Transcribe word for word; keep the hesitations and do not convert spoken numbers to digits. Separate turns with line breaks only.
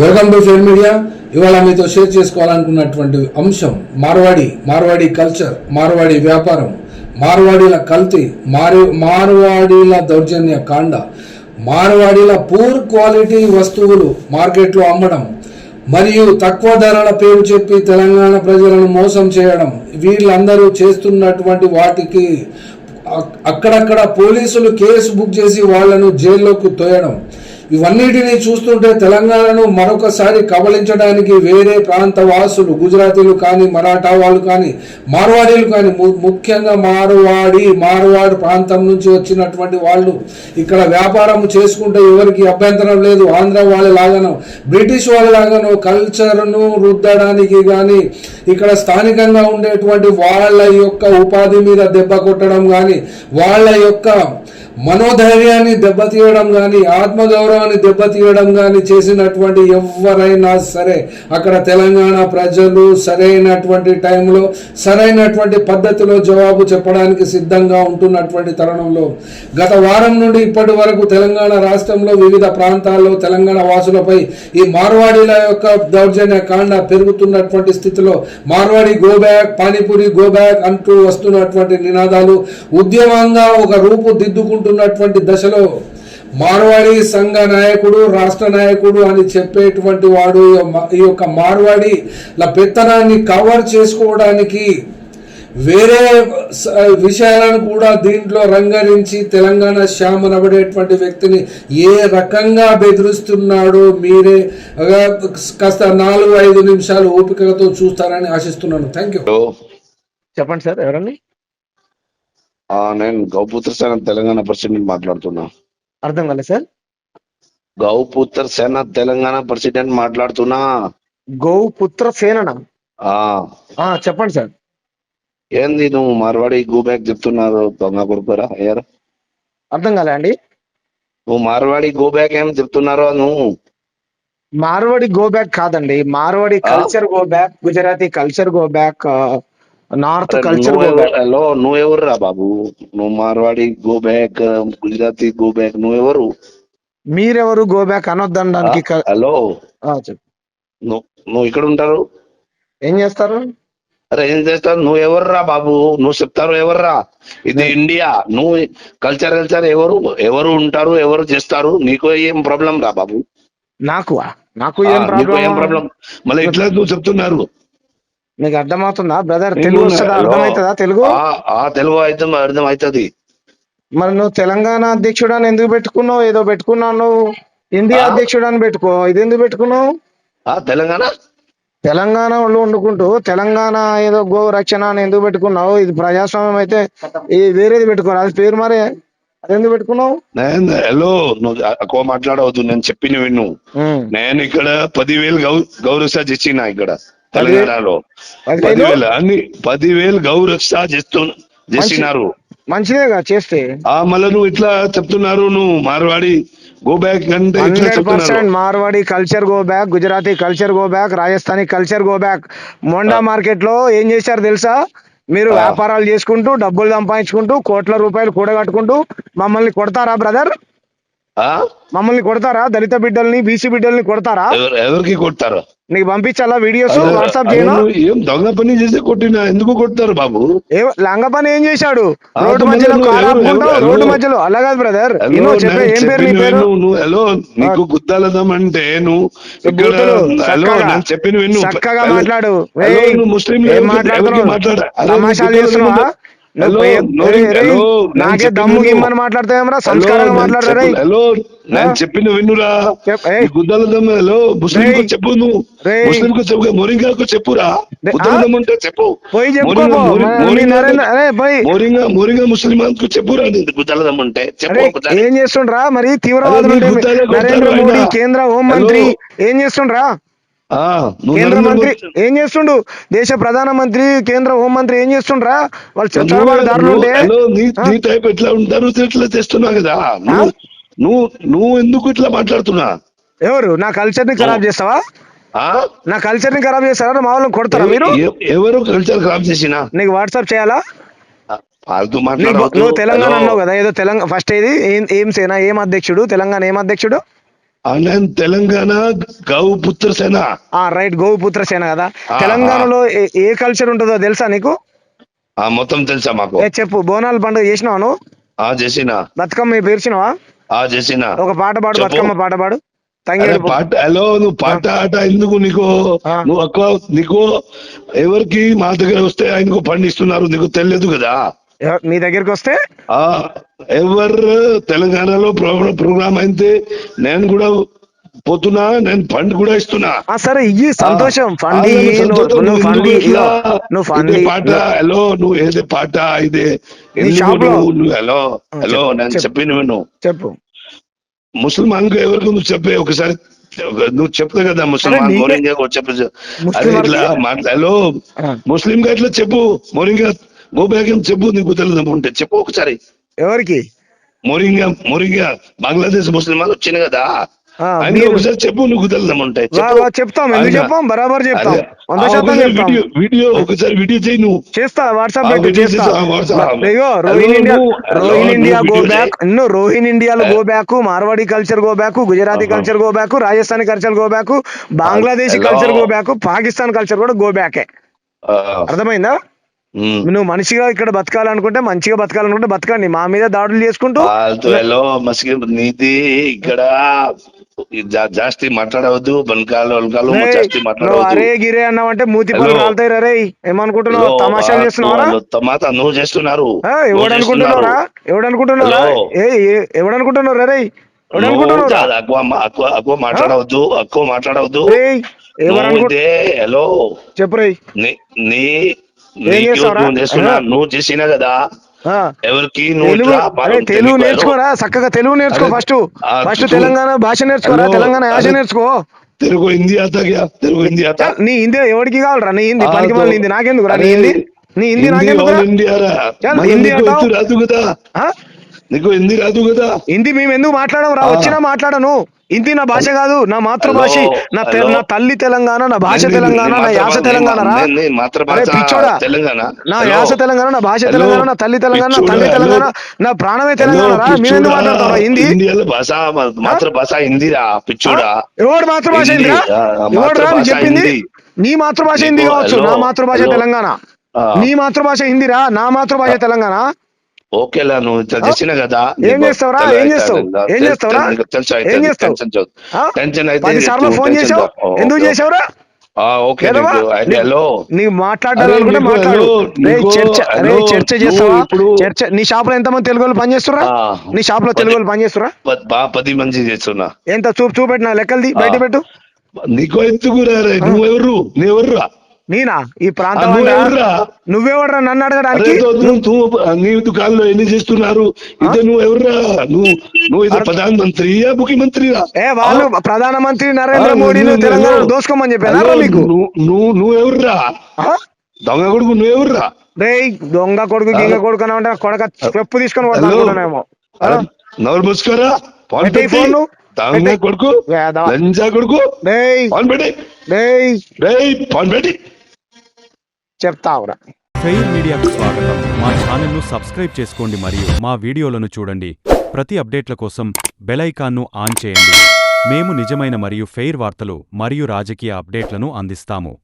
Welcome to share media. ఇవాళ మీతో share చేసుకోవాలనుకున్నటువంటి అంశం మార్వాడి మార్వాడి కల్చర్, మార్వాడి వ్యాపారం, మార్వాడీల కల్తీ, మారు మార్వాడీల దౌర్జన్య కాండ, మార్వాడీల పూర్ క్వాలిటీ వస్తువులు మార్కెట్లో అమ్మడం మరియు తక్కువ ధరల పేరు చెప్పి తెలంగాణ ప్రజలను మోసం చేయడం, వీళ్ళందరూ చేస్తున్నటువంటి వాటికి అక్కడక్కడ పోలీసులు కేసు బుక్ చేసి వాళ్లను జైల్లోకి తోయడం, ఇవన్నిటిని చూస్తుంటే తెలంగాణను మరొకసారి కబలించడానికి వేరే ప్రాంత వాసులు, గుజరాతీలు కానీ, మరాఠా వాళ్ళు కానీ, మార్వాడీలు కానీ, ముఖ్యంగా మార్వాడి మార్వాడి ప్రాంతం నుంచి వచ్చినటువంటి వాళ్ళు ఇక్కడ వ్యాపారం చేసుకుంటే ఎవరికి అభ్యంతరం లేదు. ఆంధ్ర వాళ్ళ లాగానో బ్రిటిష్ వాళ్ళ లాగానో కల్చర్ను రుద్దడానికి కానీ, ఇక్కడ స్థానికంగా ఉండేటువంటి వాళ్ళ యొక్క ఉపాధి మీద దెబ్బ కొట్టడం కానీ, వాళ్ళ యొక్క మనోధైర్యాన్ని దెబ్బతీయడం కానీ, ఆత్మగౌరవాన్ని దెబ్బతీయడం కానీ చేసినటువంటి ఎవరైనా సరే అక్కడ తెలంగాణ ప్రజలు సరైనటువంటి టైంలో సరైనటువంటి పద్ధతిలో జవాబు చెప్పడానికి సిద్ధంగా ఉంటున్నటువంటి తరుణంలో గత వారం నుండి ఇప్పటి వరకు తెలంగాణ రాష్ట్రంలో వివిధ ప్రాంతాల్లో తెలంగాణ వాసులపై ఈ మార్వాడీల యొక్క దౌర్జన్య కాండ పెరుగుతున్నటువంటి స్థితిలో Marwari go back, panipuri go back అంటూ వస్తున్నటువంటి నినాదాలు ఉద్యమంగా ఒక రూపు దిద్దుకుంటూ న్నటువంటి దశలో మార్వాడి సంఘ నాయకుడు, రాష్ట్ర నాయకుడు అని చెప్పేటువంటి వాడు ఈ యొక్క మార్వాడిల పెత్తనాన్ని కవర్ చేసుకోవడానికి వేరే విషయాలను కూడా దీంట్లో రంగరించి తెలంగాణ శ్యామ్ అనబడేటువంటి వ్యక్తిని ఏ రకంగా బెదిరిస్తున్నాడో మీరే కాస్త నాలుగు ఐదు నిమిషాలు ఓపికతో చూస్తారని ఆశిస్తున్నాను. Thank you.
చెప్పండి సార్, ఎవరండి?
నేను గౌపుత్ర సేన తెలంగాణ ప్రెసిడెంట్ మాట్లాడుతున్నా.
అర్థం కాలేదు సార్.
గౌపుత్ర సేన తెలంగాణ ప్రెసిడెంట్ మాట్లాడుతున్నా.
గౌపుత్ర సేననా? చెప్పండి సార్.
ఏంది నువ్వు మార్వాడి గో బ్యాక్ చెప్తున్నారు? దొంగ కొడుకురా అయ్యారు.
అర్థం కాలే అండి.
నువ్వు మార్వాడి గో బ్యాక్ ఏం చెప్తున్నారో? నువ్వు
మార్వాడి గో బ్యాక్ కాదండి, Marwari culture go back, Gujarati culture go back, north culture go back.
Hello, నువ్వెవరు రా బాబు? నువ్వు Marwari go back, Gujarati go back, నువ్వెవరు?
మీరెవరు గో బ్యాక్ అనొద్దనడానికి?
హలో, నువ్వు ఇక్కడ ఉంటారు,
ఏం చేస్తారు?
అరే ఏం చేస్తారు? నువ్వు ఎవరు రా బాబు? నువ్వు చెప్తారు ఎవర్రా? ఇది ఇండియా. నువ్వు కల్చర్ కల్చర్ ఎవరు ఎవరు ఉంటారు, ఎవరు చేస్తారు? నీకు ఏం ప్రాబ్లం రా బాబు?
నాకు నాకు ఏం
ప్రాబ్లం? మళ్ళీ ఇట్లా నువ్వు చెప్తున్నారు.
నీకు అర్థమవుతుందా బ్రదర్? తెలుగు వస్తుందా? అర్థమవుతుందా తెలుగు?
తెలుగు అయితే అర్థం అవుతుంది.
మరి నువ్వు తెలంగాణ అధ్యక్షుడు అని ఎందుకు పెట్టుకున్నావు? ఏదో పెట్టుకున్నావు. నువ్వు ఇండియా అధ్యక్షుడు అని పెట్టుకో. ఇది ఎందుకు పెట్టుకున్నావు?
తెలంగాణ
తెలంగాణ వాళ్ళు వండుకుంటూ తెలంగాణ ఏదో గో రక్షణ అని ఎందుకు పెట్టుకున్నావు? ఇది ప్రజాస్వామ్యం అయితే ఈ వేరేది పెట్టుకోరు, అది పేరు మరే. అది ఎందుకు పెట్టుకున్నావు?
హలో, నువ్వు ఎక్కువ మాట్లాడవద్దు. నేను చెప్పిన విను. నేను ఇక్కడ పదివేలు గౌ గౌరవ ఇచ్చిన ఇక్కడ తెలంగాణలో పదివేలు అన్ని పదివేలు గౌరక్ష చేస్తు చేసినారు.
మంచిదేగా చేస్తే.
ఆ మళ్ళీ నువ్వు ఇట్లా చెప్తున్నారు. నువ్వు మార్వాడి గో బ్యాక్ అంటే
hundred percent Marwari culture go back, Gujarati culture go back, Rajasthani culture go back. Monda market లో ఏం చేశారు తెలుసా? మీరు వ్యాపారాలు చేసుకుంటూ డబ్బులు సంపాదించుకుంటూ కోట్ల రూపాయలు కూడగట్టుకుంటూ మమ్మల్ని కొడతారా బ్రదర్? మమ్మల్ని కొడతారా? దళిత బిడ్డల్ని, బీసీ బిడ్డల్ని కొడతారా?
ఎవరికి కొడతారు?
నీకు పంపించాలా వీడియోస్? వాట్సాప్ చేయను.
ఏం దొంగ పని చేసి కొట్టినా ఎందుకు కొడతారు బాబు?
లంగ పని ఏం చేశాడు? రోడ్డు మధ్యలో రోడ్డు మధ్యలో అలా కాదు బ్రదర్. చెప్పే ఏం పేరు నీ పేరు?
హలో, నీకు గుద్దాలదం అంటే నువ్వు చెప్పిన విను.
చక్కగా మాట్లాడు.
ముస్లిం
మాట్లాడు, తమాషాలు చేస్తున్నావా? నాకే దమ్ము గిమ్మని మాట్లాడతాయేమరా? సంస్కారంగా మాట్లాడరా?
హలో, నేను చెప్పిన విన్నురా. గుద్దాల దమ్ము. హలో, ముస్లిం చెప్పు. నువ్వు ముస్లిం చెప్పు, మోరింగాకు చెప్పురా. గుద్దాల దమ్ము అంటే చెప్పు. మోరింగా ముస్లిం చెప్పురా. గుద్దాల దమ్ము అంటే చెప్పు.
ఏం చేస్తుండ్రా మరి? తీవ్రవాదులు నరేంద్ర మోడీ కేంద్ర హోంమంత్రి ఏం చేస్తుండ్రా? కేంద్ర మంత్రి ఏం చేస్తుండు? దేశ ప్రధాన మంత్రి, కేంద్ర హోంమంత్రి ఏం చేస్తుండ్రా? వాళ్ళు చట్టదారులు ఉంటే
ఎట్లా ఉంటారు? ఇట్లా చేస్తున్నా కదా. నువ్వు నువ్వు ఎందుకు ఇట్లా మాట్లాడుతున్నా?
ఎవరు నా కల్చర్ ని ఖరాబ్ చేస్తావా? నా కల్చర్ ని ఖరాబ్ చేస్తారా? మా వాళ్ళని కొడతారా మీరు?
ఎవరు కల్చర్ ఖరాబ్ చేసినా?
నీకు వాట్సాప్ చేయాలా? నువ్వు తెలంగాణ అన్నావు కదా, ఏదో తెలంగాణ ఫస్ట్ ఏది ఏం సేనా, ఏం అధ్యక్షుడు? తెలంగాణ ఏం అధ్యక్షుడు?
నేను తెలంగాణ గౌ పుత్ర సేన.
ఆ రైట్, గోపుత్ర సేన కదా.
ఆ,
తెలంగాణలో ఏ- ఏ కల్చర్ ఉంటుందో తెలుసా నీకు?
ఆ మొత్తం తెలుసా మాకు.
ఏ చెప్పు, బోనాల పండుగ చేసినావా నువ్వు?
ఆ చేసిన.
బతుకమ్మ పేర్చినావా?
ఆ చేసిన.
ఒక పాట పాడు,
చెప్పు.
బతుకమ్మ పాట పాడు.
అరే
తంగేడు పో-
పాట హలో నువ్వు పాట ఆట ఎందుకు నీకు?
ఆ.
నువ్వు ఎక్కువ నీకు ఎవరికి మా దగ్గర వస్తే ఆయనకు పండిస్తున్నారు నీకు తెలియదు కదా.
ఎవ- మీ దగ్గరికి వస్తే
ఆ ఎవరు తెలంగాణలో ప్రోగ్రామ్ ప్రోగ్రామ్ అయితే నేను కూడా పోతున్నా, నేను ఫండ్ కూడా ఇస్తున్నా.
ఆ సరే ఇయ్యి, సంతోషం.
ఆ,
ఫండి
ఆ,
ఇయ్యి, నువ్వు
సంతోషం.
నువ్వు
నువ్వు
ఫండి
ఎందుకు
ఇయ్యో,
ఇట్లా?
నువ్వు
ఇదే
ఫండి
పాట హలో నువ్వు ఏదే పాట ఇదే ఎందుకు
షాప్ లో-
నువ్వు నువ్వు హలో హలో
చెప్పు,
నేను
చెప్పు.
చెప్పిన విను.
చెప్పు.
ముసల్మాన్ ఎవరికి నువ్వు చెప్పే ఒకసారి నువ్వు చెప్తావు కదా ముసల్మాన్
నీకే-
మోరింగా చెప్పు. అరే
ముస్లిం
ఇట్లా
వారికి-
మాట్లా హలో
ఆ.
ముస్లిం గా ఇట్లా చెప్పు, మోరింగా గోబ్యాగ్ చెప్పు, నీకు తెలియదు ఉంటే చెప్పు ఒకసారి.
ఎవరికి?
మోరింగా మోరింగా బంగ్లాదేశ్ ముస్లిం వాళ్ళు వచ్చిన కదా,
ఆ,
ఆయన
మీరు-
ఒకసారి చెప్పు, నువ్వు తెలియదు ఉంటాయి
వా, వా, చెప్తాం, ఎందుకు చెప్పాం, బరాబర్ చెప్తాం, వంద శాతం చెప్తాం.
వీడియో వీడియో ఒకసారి వీడియో చేయి నువ్వు.
చేస్తా, వాట్సాప్
ఆ,
పెట్టు,
వీడియో
చేస్తా.
చేసి, ఆ, వాట్సాప్.
అయ్యో
హలో,
రోహిన్ ఇండియా,
నువ్వు- హలో,
రోహిన్ ఇండియా
నువ్వు
గో
వీడియో
బ్యాక్, ఇన్నో రోహిన్ ఇండియాలో go back, Marwari culture go back, Gujarati
ఆహా.
Culture go back, Rajasthani culture go back, Bangladeshi
hello.
Culture go back, Pakistan culture కూడా గో బ్యాకే.
ఆ,
అర్థమైందా?
ఉమ్.
నువ్వు మనిషిగా ఇక్కడ బతకాలనుకుంటే, మంచిగా బతకాలనుకుంటే బతకండి. మా మీద దాడులు చేసుకుంటూ
ఫాల్తు హలో మసికి నీది ఇక్కడ జా- జాస్తి మాట్లాడవద్దు, బనకాలు వనకాలు
రేయ్,
జాస్తి
నువ్వు
మాట్లాడవద్దు.
అరే గిరే అన్నావంటే మూతి పళ్ళు
హలో.
రాలుతాయి రే. ఏమనుకుంటున్నావు?
హలో,
తమాషాలు
ఆ,
చేస్తున్నావరా?
నువ్వు తమాత నువ్వు చేస్తున్నారు,
ఆ,
నువ్వు
ఎవడనుకుంటున్నావురా? ఎవడనుకుంటున్నావురా?
హలో.
ఏ ఏ- ఎవడనుకుంటున్నావు రే?
నువ్వు
ఎవడనుకుంటున్నావురా?
చాలా ఎక్కువ మా- ఎక్కువ ఎక్కువ మాట్లాడవద్దు, ఎక్కువ మాట్లాడవద్దు.
రేయ్,
నువ్వు
ఎవరనుకు
ఇదే హలో
చెప్పు రేయ్.
నీ నీ
ఏం
నీకు
చేస్తావురా?
నువ్వు చేస్తున్నా,
ఆ.
నువ్వు చేసినా కదా
ఆ,
ఎవరికి నువ్వు
తెలుగు,
ఇట్లా
అరే
పాల్గొంటే
తెలుగు
నీకు
నేర్చుకోరా, చక్కగా తెలుగు నేర్చుకో.
అరే,
ఫస్ట్
ఆ,
ఫస్ట్
తూ-
తెలంగాణ భాష నేర్చుకోరా,
హలో,
తెలంగాణ యాస
అరే,
నేర్చుకో.
తెలుగు హిందీ ఆతా క్యా? తెలుగు హిందీ ఆతా?
చల్, నీ హిందీ ఎవరికి కావాలరా? నీ హిందీ
ఆ,
పనికి
తో-
మళ్ళీ హిందీ నాకెందుకురా? నీ
అరే,
హిందీ నీ హిందీ నాకెందుకురా?
ఆల్ ఇండియా రా.
చల్,
మళ్ళీ
హిందీ
నీకు
అంటావ్?
ఎత్తు రాదు కదా,
ఆ?
నీకు హిందీ రాదు కదా.
హిందీ మేము ఎందుకు మాట్లాడడం రా?
ఆ.
వచ్చినా మాట్లాడను. హిందీ నా భాష కాదు, నా మాతృభాష.
హలో,
నా తె-
హలో.
నా తల్లి తెలంగాణ, నా భాష
నీ- నీ-
తెలంగాణ,
నీ
నా యాస
మాతృభాష-
తెలంగాణ రా.
నీ- నీ మాతృభాష
అరే పిచ్చోడా,
తెలంగాణ.
నా
హలో.
యాస తెలంగాణ, నా భాష
హలో.
తెలంగాణ, నా తల్లి తెలంగాణ, నా తండ్రి
పిచ్చోడా,
తెలంగాణ,
హలో.
నా ప్రాణమే
హలో,
తెలంగాణ రా. మీరెందుకు
పిచ్చోడా,
మాట్లాడతారా హిందీ?
ఇండియాలో భాష మాతృభాష హిందీరా పిచ్చోడా.
ఎవడు మాతృభాష
హిందీ,
హిందీరా?
ఆ,
ఎవడు రా
మాతృభాష
చెప్పింది?
హిందీ.
నీ మాతృభాష
నీకు-
హిందీ కావచ్చు,
హలో,
నా మాతృభాష
హలో.
తెలంగాణ.
ఆ.
నీ మాతృభాష హిందీరా, నా మాతృభాష తెలంగాణ.
ఓకేలా నువ్వు ఇట్లా
ఆ?
చేసిన కదా,
ఏం చేస్తావురా? ఏం చేస్తావు? ఏం చేస్తావురా? ఏం చేస్తావు? ఆ?
టెన్షన్ అయితే
పది సార్లు
నీకు
ఫోన్
టెన్షన్
చేసావు,
దా- ఓ,
ఎందుకు
ఓకే.
చేసావురా?
ఆ, ఓకే
ఏదవా?
నీకు అయితే
నీ-
హలో
నీకు మాట్లాడాలనుకుంటే
అరే, నీకు
మాట్లాడు.
హలో,
రేయ్,
నీకు
చర్చ
హలో,
రేయ్, చర్చ
నువ్వు
చేస్తావా?
ఇప్పుడు
చర్చ. నీ షాప్ లో ఎంతమంది తెలుగు వాళ్ళు పనిచేస్తురా?
ఆ,
నీ షాప్ లో
పది-
తెలుగు వాళ్ళు పనిచేస్తురా?
ప- బా పది మంది చేస్తున్నా.
ఎంత చూపు చూపెట్టిన లెక్కలది బయట పెట్టు.
నీకు ఎందుకు రే? నువ్వెవరు? నువ్వెవర్రా?
నేనా ఈ ప్రాంతం
ఆ,
వాడినా?
నువ్వెవర్రా?
నువ్వెవడరా నన్ను
అరే
అడగడానికి?
తో- నువ్వు నువ్వు నీ దుకాణంలో ఎన్ని చేస్తున్నారు? ఇదే నువ్వు ఎవర్రా? నువ్వు నువ్వు ఇది ప్రధాన మంత్రియా ముఖ్యమంత్రిరా?
ఏ వాళ్ళు ప్రధానమంత్రి నరేంద్ర
ఆ,
మోడీని
నువ్వు-
తెలంగాణ
నువ్వు-
దోసుకోమని చెప్పారా
హలో,
మీకు?
నువ్వు నువ్వు నువ్వెవర్రా?
ఆ?
దొంగ కొడుకు నువ్వెవర్రా?
రేయ్, దొంగ కొడుకు గింగ కొడుకు అని అంటే కొడక చెప్పు తీసుకొని కొడతా
హలో.
అనుకుంటున్నానేమో. ఆ?
అరే, నోరు మూసుకోరా. ఫోన్
పెట్టేయ్
పెట్టి.
ఫోను.
దొంగ
పెట్టేయ్.
కొడుకు,
వేధవ.
లంజా కొడుకు,
రేయ్
ఫోన్ పెట్టి.
రేయ్
రేయ్ ఫోన్ పెట్టి.
చెప్తావురా.
ఫెయిర్ మీడియాకు స్వాగతం. మా ఛానల్ను సబ్స్క్రైబ్ చేసుకోండి మరియు మా వీడియోలను చూడండి. ప్రతి అప్డేట్ల కోసం బెల్ ఐకాన్ను ఆన్ చేయండి. మేము నిజమైన మరియు ఫెయిర్ వార్తలు మరియు రాజకీయ అప్డేట్లను అందిస్తాము.